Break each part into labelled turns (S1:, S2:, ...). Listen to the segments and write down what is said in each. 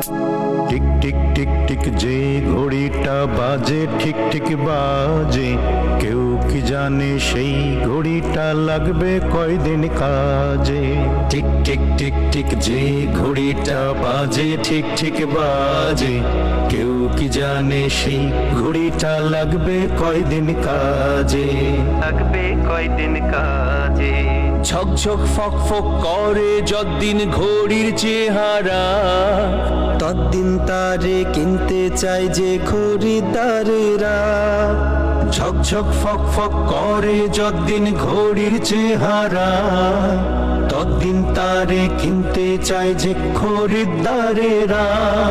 S1: Tick tick tick tick যে ঘড়িটা বাজে ঠিক ঠিক বাজে, কেউ কি জানে সেই ঘড়িটা লাগবে কয়দিন কাজে। টিক টিক টিক টিক যে ঘড়িটা বাজে ঠিক ঠিক বাজে, কেউ কি জানে সেই ঘড়িটা লাগবে কয়দিন কাজে।
S2: লাগবে কয়দিন কাজে।
S3: ঝকঝক ফক ফক করে যতদিন ঘড়ির চেহারা,
S2: ততদিন তারে কিনতে চাই যে খরিদ্দারেরা।
S1: ঝকঝক ফক ফক করে যতদিন ঘড়ির চেহারা, ততদিন তারে কিনতে চায় যে খরিদ্দারেরা।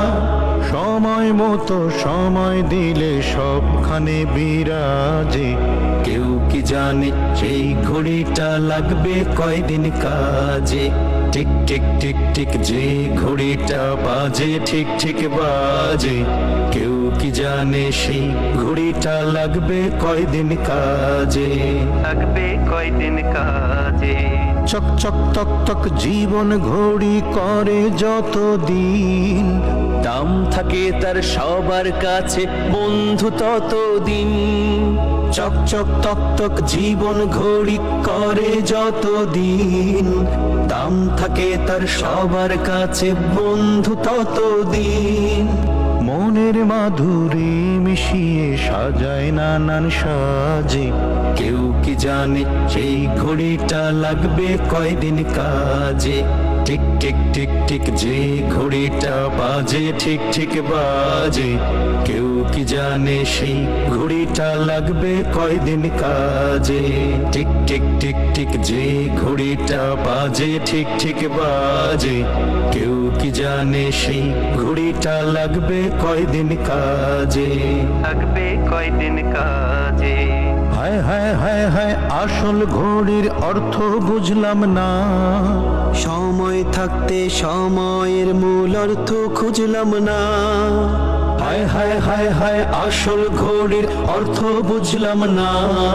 S1: সময় মতো সময় দিলে সবখানে বিরাজে, কেউ কি জানে সেই ঘড়িটা লাগবে কয়দিন কাজে। টিক টিক টিক টিক যে ঘড়িটা বাজে ঠিক ঠিক বাজে, কেউ কি জানে সেই ঘড়িটা লাগবে কয়দিন কাজে।
S2: লাগবে কয়দিন কাজে।
S1: চক চক তক তক জীবন ঘড়ি করে যত দিন,
S3: দাম থাকে তার সবার কাছে বন্ধু ততদিন।
S1: চক চক তক তক জীবন ঘড়ি করে যত দিন, দাম থাকে তার সবার কাছে বন্ধু ততদিন। মনের মাধুরী মিশিয়ে সাজায় নানান সাজে, কেউ কি জানে সেই ঘড়িটা লাগবে কয়দিন কাজে। টিক টিক টিক টিক যে ঘড়িটা বাজে ঠিক ঠিক বাজে, কেউ কি জানে সেই ঘড়িটা লাগবে কয়দিন কাজে। টিক টিক টিক টিক যে ঘড়িটা বাজে ঠিক ঠিক বাজে, কেউ কি জানে সেই ঘড়িটা লাগবে কয়দিন কাজে।
S2: লাগবে কয়দিন কাজে।
S1: হায় হায় হায় হায় আসল ঘড়ির অর্থ বুঝলাম না,
S2: সময় থাকতে সময়ের মূল অর্থ খুঁজলাম না।
S1: হায় হায় হায় হায় আসল ঘড়ির অর্থ বুঝলাম না,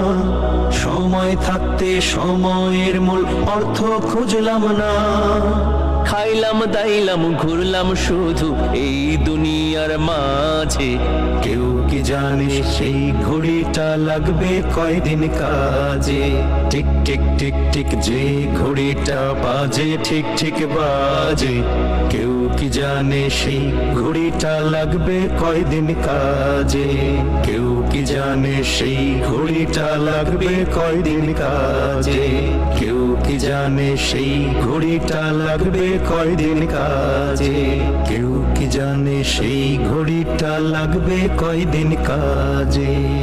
S1: সময় থাকতে সময়ের মূল অর্থ খুঁজলাম না।
S3: খাইলাম দাইলাম ঘুরলাম শুধু এই দুনিয়ার মাঝে,
S1: কেউ কি জানে সেই ঘড়িটা লাগবে কয়দিন কাজে। টিক টিক টিক টিক যে ঘড়িটা বাজে ঠিক ঠিক বাজে, কেউ কি জানে সেই ঘড়িটা লাগবে কয়দিন কাজে। কেউ কি জানে সেই ঘড়িটা লাগবে কয়দিন কাজে। কেউ কি জানে সেই ঘড়িটা লাগবে কয়দিন কাজে। কেউ কি জানে সেই ঘড়িটা লাগবে কয়দিন কাজে।